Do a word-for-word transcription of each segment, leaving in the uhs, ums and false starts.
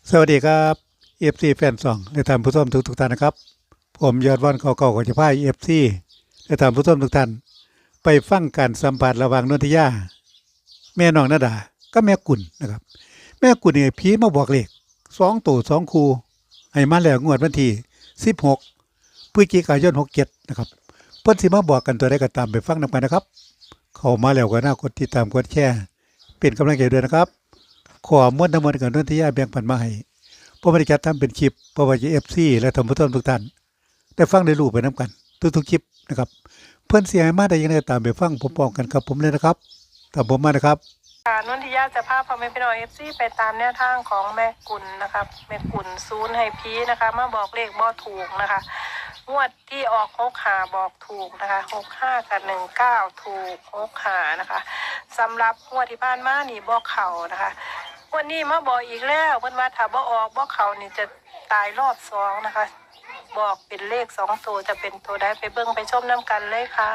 สวัสดีครับเอฟซีแฟนสองและท่านผู้ชมทุกทุกท่านนะครับผมยอดวันเก่าๆของจะพายเอฟซีและท่านผู้ชมทุกท่านไปฟังการสัมผัสระหว่างนนทิยาแม่น้องนาดาก็แม่กุลนะครับแม่กุลเนี่ยผีมาบอกเลขสองตัวสองคูให้มาแล้วงวดวันที่สิบหกพฤศจิกายนหกเจ็ดนะครับเพิ่นสิมาบอกกันตัวใดก็ตามไปฟังนำกันนะครับเข้ามาแล้วก็น่ากดติดตามกดแชร์เป็นกำลังใจด้วยนะครับขอมวลทั้งหมดกับนนทิยาแบ่งปันมาให้เพราะบริจาคทำเป็นคลิปเพราะว่าจะเอฟซีและท่านผู้ชมทุกท่านได้ฟังได้รู้ไปน้ำกันทุกๆคลิปนะครับเพื่อนเสียมาได้ยังไงตามไปฟังพร้อมๆกันครับผมเลยนะครับตามผมมานะครับค่ะนนทิยาจะพาพ่อแม่พี่น้องเอฟซีไปตามแนวทางของแม่กุลนะครับแม่กุลซูนให้พีนะคะมาบอกเลขบ่ถูกนะคะงวดที่ออกหกหาบอกถูกนะคะหกห้ากับหนึ่งเก้าถูกหกหานะคะสำหรับงวดที่ผ่านมานี่บอกเข่านะคะวันนี้มาบอกอีกแล้วเพิ่นว่าถ้าบ่ออกบ่เข่านี่จะตายรอบสองนะคะบอกเป็นเลขสองตัวจะเป็นตัวใดไปเบิ่งไปชมน้ำกันเลยค่ะ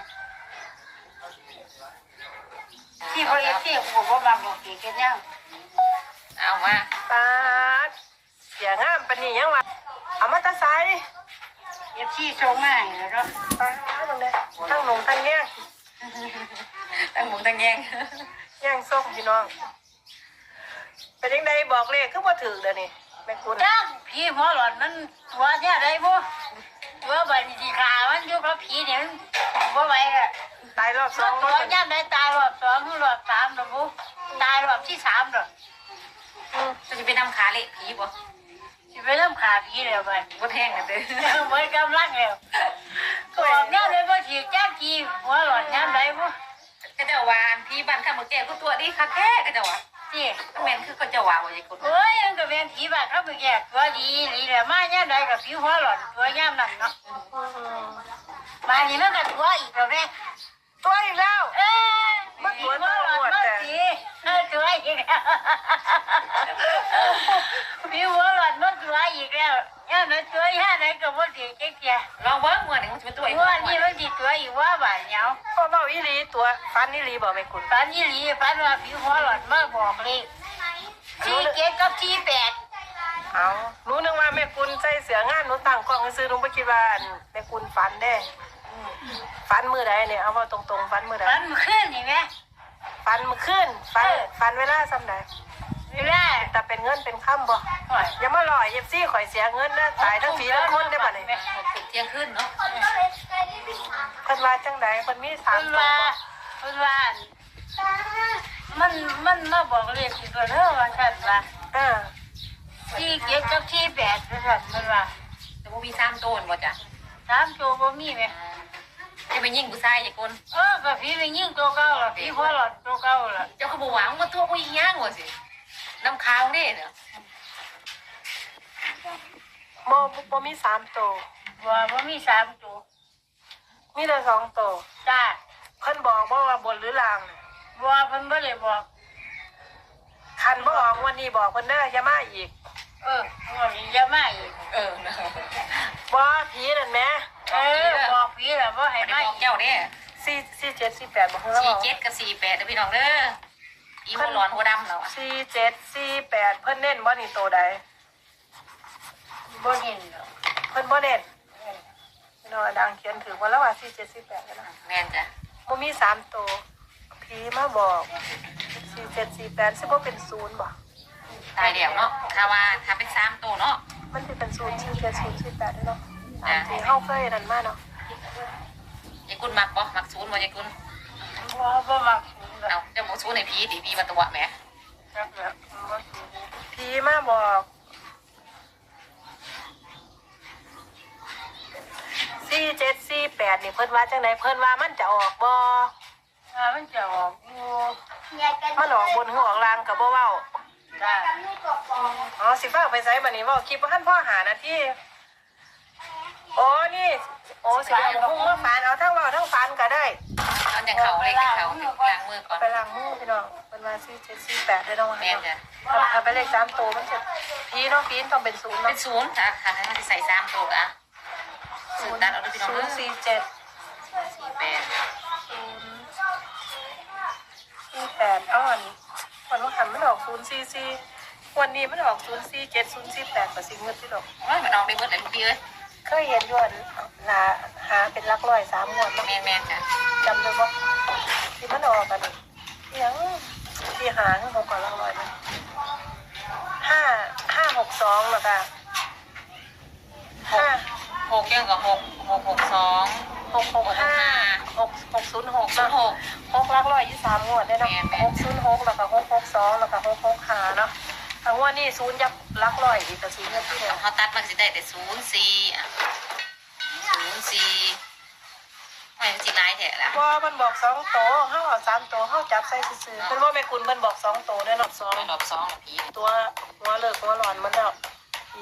ที่เขาเอฟที่ผมว่าบางบอกเก่งยังเอามาตาเสียงามปานนี้ยังวะเอามาตาไซเอฟที่โชว์มาแล้วก็ตาตรงนี้ทั้งหนุ่มทั้งแง่งตั้งหมุนตั้งแยงแง่งส้มพี่น้องเป็นยังไงบอกเลขคือว่าถือเดี๋ยวนี้แม่คุณจ้าผีหัวหลอนมันตัวเนี่ยได้บ่ตัวบันทีขามันอยู่กับผีเนี่ยมันบ่ไหวอ่ะตายรอบสตัอวงตัวย่ำได้ตายรอบสองรอบสามหรอบุตายรอบที่สามหรอจะไปนำขาเละผีบ่จะไปนำขาผีแล้วมันบ่แทงกันเลยเหมือนกำลังแล้วตัวเนี่ยเลยบ่ถีบจ้าผีหัวหลอนย่ำได้บ่ก็จะวานผีบ้านข้ามือแก่ก็ตัวดีค่ะแท้ก็จะว่าที่แม่นคือก็จะว่าว่าอย่างคนเอ้ยยังก็เป็นผีบ้านข้ามือแก่ตัวดีดีแหละมาย่ำได้กับผีหัวหลอนตัวย่ำนั่นเนาะมานี่มันก็ตัวอีกแล้วแม่ตัวอีกแล้วเอ้ยมันตัวหัวหลอนมันสีเออตัวอีกแล้วผีหัวหลอนมันตัวอีกแล้วย่ำนั้นตัวย่ำนั้นก็บ่ดีเจ๊เจ๊ลองเบิ่งมื้อนี้มันสิเป็นตัวอีกว่านี่มันสิตัวอีกว่าบ่เหนียวพ่อเบาอีหลีตัวฟันอีหลีบอกแม่คุณฝันยี่หลีฝันว่าผีหัวหลอนมาบอกเลยสี่เจ็ดกับสี่แปดเอาหนูนึกว่าแม่คุณใส่เสืองานหนูตั้งกล้องซื้อหนูไม่คิดว่าแม่คุณฟันได้ฟันมือใดเนี่ยเอามาตรงๆฟันมือใดฝันเมื่อคืนนี่ไหมฟันมือขึ้นฟันฟันเวลาซ้ำใดเวลาแต่เป็นเงินเป็นค่ำบ่อย่ามาหล่อเย็บซี่ข่อยเสียเงินนะตายทั้งผีทั้งคนได้บ่เนี่ยเที่ยงคืนเนาะเพิ่นว่าจังใดเพิ่นมีสามเพิ่นตัวว่าเพิ่นว่ามันมันมาบอกเลขสิตัวเด้อว่าซั่นว่าเออสี่เจ็ดกับสี่แปดว่าซั่นเพิ่นว่าแต่ว่ามีสามโตนบ่จ้ะสามตัวบ่มีไหมจะไปยิงผู้ชายอย่าคนเออก็ผีไปยิงตัวเก่าล่ะผีหัวหลอนตัวเก่าล่ะเจ้าเขาบอกว่ามันมาตัวผู้หญิงย่างว่ะสิน้ำค้างเด้เนาะโมบ่มีสามตัวว่าบ่มีสามตัวมีแต่สองตัวจ้าเพิ่นบอกบ่ว่าบนหรือล่างน่ะว่าเพิ่นบ่ได้บอกคันบ่ออกวันนี้บอกเพิ่นเด้ออย่ามาอีกเออว่าสิจะมาอีกเออนะบ่ผีนั่นแหมเออบอกผีแล้วบ่ให้ไม่ได้มาบอกเจ้าเด้สี่สี่เจ็ดสี่แปดบอกเพิ่นแล้วสี่บอกเจ็ดกับสี่แปดเด้อพี่น้องเด้ออีหัวร้อนหัวดำเราอะสี่เจ็ดสี่แปดเพิ่นเน้นบ่นี่ตัวใดบ่เห็นดอกเพิ่นบ่เน้นพี่น้องดังเขียนถือว่าแล้วว่าสี่เจ็ดสี่แปดแล้วนะแม่นจ้ะบ่มีสามตัวผีมาบอกสี่เจ็ดสี่แปดสิบ่เป็นศูนย์บ่ตายเดี่ยวเนาะถ้าว่าถ้าเป็นสามโตเนาะมันสิเป็นศูนย์สี่เจ็ดศูนย์สี่แปดเนาะตามที่เฮาเคยนั่นมาเนาะยายกุลมักบ่มักศูนย์บ่ยายกุลว่าบ่มักสูงดอกเอาเจ้าหมูศูนย์ในพีดิพีมาตัวแหมจักแล้วบ่สูงผีมาบอกสี่เจ็ดสี่แปดนี่เพิ่นว่าจังไดเพิ่นว่ามันจะออกบ่ถ้ามันจะออกอยู่มันออกบนหัวออกล่างก็บ่เว้าจ้าอ๋อสิฟ้าไปไสบัดนี้เว้าคลิปบ่ทันพ่อหานาทีโอ้นี่โอ้สิเอาพุ่งมาฟานเอาทั้งเว้าทั้งฟานก็ได้ตอนอย่างเขาเลยกับเขาล้างมือก่อนไปล้างมือพี่น้องเป็นว่าสี่เจ็ดสี่แปดได้ต้องแม่นจ้ะถ้าไปเลขสามตัวมันจะพีเนาะพีต้องเป็นศูนย์เป็เนาะนศูนย์จ้ะค่ะถ้าใส่สามโตกะศูนย์ตัดเอาด้วยพี่น้องศูเด้นอย์สี่เจ็ดสี่แปดศูนย์สี่แปดอ้อนวันว่าหันไม่ออกศูนย์สี่สี่วันนี้มันออกศูนย์สี่เจ็ดศูนย์สี่แปดกับสิ่งเงินที่ดอกโอ้ยมันออกได้เบิดเลยลูกพี่เอ้ยเคยเห็นอยวนหาหาเป็นหลักร้อยสามงวดเนาะแม่นแม่นจ้ะจำได้ปะที่มันออกกันนี่ยังที่หาข้างหกก่อนหลักร้อยมันห้าห้าหกสองแล้วก็ห้าหกยังกับหกหกหกสองหกหกห้าหกหกศูนย์หกศูนเนาะย์หกหกหลักร้อยยี่สามงวดได้เนาะแม่นแม่นหกศูนย์หกแล้วก็หกหกสองแล้วก็หกหกห้าเนาะทั้งวันนี้ศูนย์ยับหลักร้อยอีกกับศูนย์ยับที่เดียวเขาตัดมันสิได้แต่ศูนย์สี่อ่ะศูนย์สี่ไม่มันสิร้ายแท้ละว่ามันบอกสองโตเขาเอาสามโตเขาจับใส่ซื่อๆเป็นว่าแม่คุณมันบอกสองโตได้หนอสองไม่รอบสองละพี่ตัวหัวเลิกหัวหลอนมันแล้วอี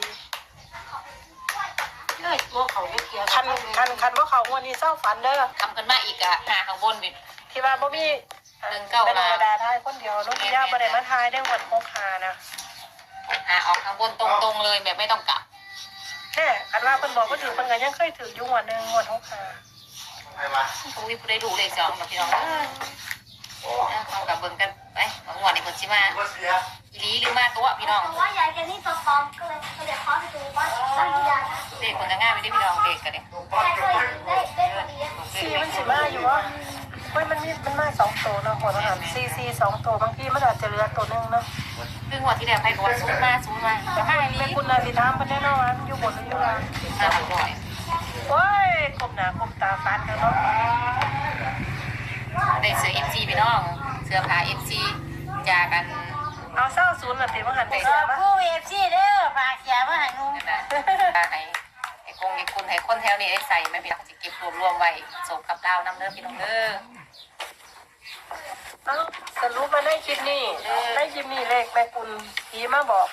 เอ้ยตัวเขาไม่เกี่ยวคันคันคันว่าเขาวันนี้เศร้าฝันเด้อคำกันมาอีกอะหาข้างบนเป็นที่ว่าบ่มีหนึ่งเก้าเป็นธรล้านรมดาทายคนเดียวนุ่นย่าบ่ได้มาทายได้วันพกหานะหาออกข้างบนตรงๆเลยแบบไม่ต้องกลับแน่คันว่าเพิ่นบอกว่าถือเพิ่นก็ยังเคยถืออยู่งวันหนึงงวดหกหาตรงนี้ผู้ได้ดูเลขสองกับพี่น้องเอ้ยเอากับเบิ่งกันไปบางวันนี่คนชิมาอีหลีหรือมาตัวพี่น้องว่ายายแกนี่ตัวปลอมก็เลยเดี๋ยวเขาไปดูว่าตั้งยาเลขคนจะง่ายไม่ได้พี่น้องเลขกันเนี่ยแกเคยได้ได้พอดีซีมันสิมาอยู่ว่าเฮ้ยมันมีมันมาสองโตเนาะหัวอาหารซีซีสองโตบางทีมันอาจจะเหลือตัวหนึงเนาะซึ่งวันที่แล้วไปก็ว่าศูนย์มาศูนย์มาแต่มาให้อีหลีแม่คุณนาสิถามเพิ่นแน่นอนว่าอยู่บนหรืออยู่ล่างมาบ่อยโอ้ยกบหน้ากบตาฟันกันเนาะได้เสื้อเอฟซีพี่น้องเสื้อผ้าเอฟซีจากกันเอาเศร้าศูนย์น่ะติว่าหันไปเอเสื้ออปะผู้เอฟซีเด้อฝากเสียมาให้หนูนั่นนะให้ให้คงให้คุณให้คนแถวนี้ได้ใส่ไม่พี่น้องจะเก็บรวบรวมไว้ส่งกับดาวน้ำเนื้อพี่น้องเด้อเอ้าสรุปมาในคลิปนี้ในคลิปนี้เลขแม่คุณผีมาบอก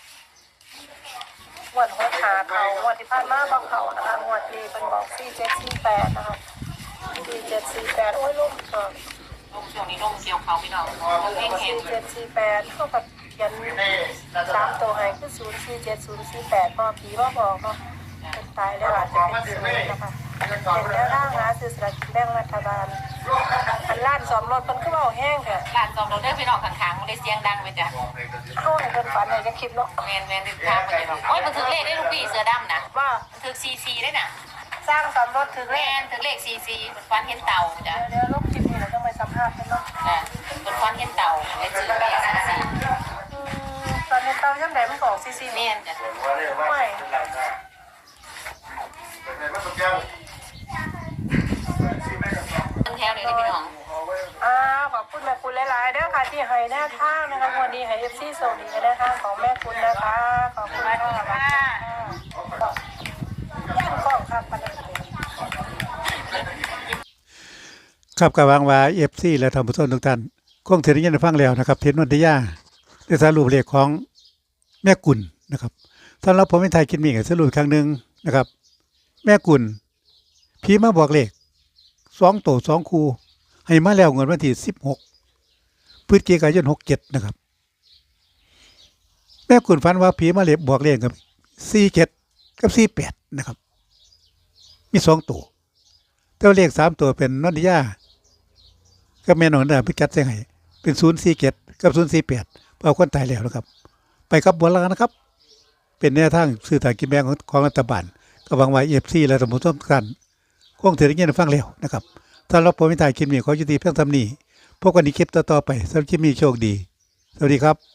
งวดหัวขาเขางวดที่ผ่านมาบอกเขานะคะงวดนี้เป็นบอกสี่เจ็ดสี่แปดนะคะสี่เจ็ดสี่แปดโอ้ยลุ่มเถอะลงช่วงนี้ลงเกี่ยวเขาพี่น้องลงเองเห็นสี่เจ็ดสี่แปดเท่ากับเขียนตามตัวให้คือศูนย์สี่เจ็ดศูนย์สี่แปดพอผีมาบอกเนาะเป็นตายแล้วอาจจะเป็นศูนย์นะคะเป็นแล้วร่างหาซื้อสลากกินแบ่งรัฐบาลอันล้านสอมรถมันก็เบาแห้งค่ะหลานจอมเราเด้อพี่น้องข้างๆมันได้เสียงดังไปจ้ะเข้าให้เพิ่นฝันให้จะคลิปเนาะแมนแมนติดทางไปพี่น้องโอ้ยมันถึงเลขได้ลูกพี่เสือดำนะว่ามันถึงซีซีได้น่ะสร้างสอมรถถึงแมแล้นถึงเลขซีซีมันฟันเห็นเต่าจ้ะเดี๋ยวลบคลิปนี้เราต้องไปสัมภาษณ์กันเนาะจ้ะมันฟันเห็นเต่าได้ซื้อเลขซีซีอืมตอนนี้เตาย่ำแดงมันก็ออกซีซีแมนจ้ะไม่ต้นแถวเลยพี่น้องอ่าขอบคุณแม่คุณหลายๆเด้อค่ะที่ให้แนวทางนะคะวันนี้ให้เอฟซีส่งดีแนวทางของแม่คุณนะคะขอบคุณค่ะย่างกล้องครับปนัดครับกับวางวาเอฟซีและท่านผู้ชมทุกท่านคงถึงได้ยินได้ฟังแล้วนะครับเทนนนทยาได้สรุปเลขของแม่กุลนะครับสำหรับผมเป็นไทยคิดมีกับสรุปอีกครั้งหนึ่งนะครับ แม่กุลพี่มาบอกเลขสองโตสองคูให้มาแล้วเงินวันที่สิบหกพฤศจิกายนหกเจ็ดนะครับ แม่กุลฝันว่าผีมาเล็บบอกเลขกับสี่เจ็ดกับสี่แปดนะครับ มีสองตัวแต่ว่าเลขสามตัวเป็นนนทิยาก็แม่นอนดาพิกัดเสียงให้เป็นศูนย์สี่เจ็ดกับศูนย์สี่แปดเอาคนตายแล้วนะครับ ไปครับบัวลานะครับ เป็นแนวทางสื่อทางกินแบงของของรัฐบาลก็หวังว่าเอฟซีและสมุทรสงครามคงถือได้ยินได้ฟังแล้วนะครับถ้าเราผมไม่ถ่ายคลิปนี้ขอยุติเพียงเท่านี้พบกันในคลิปต่อๆไปสำหรับคลิปนี้โชคดี สวัสดีครับ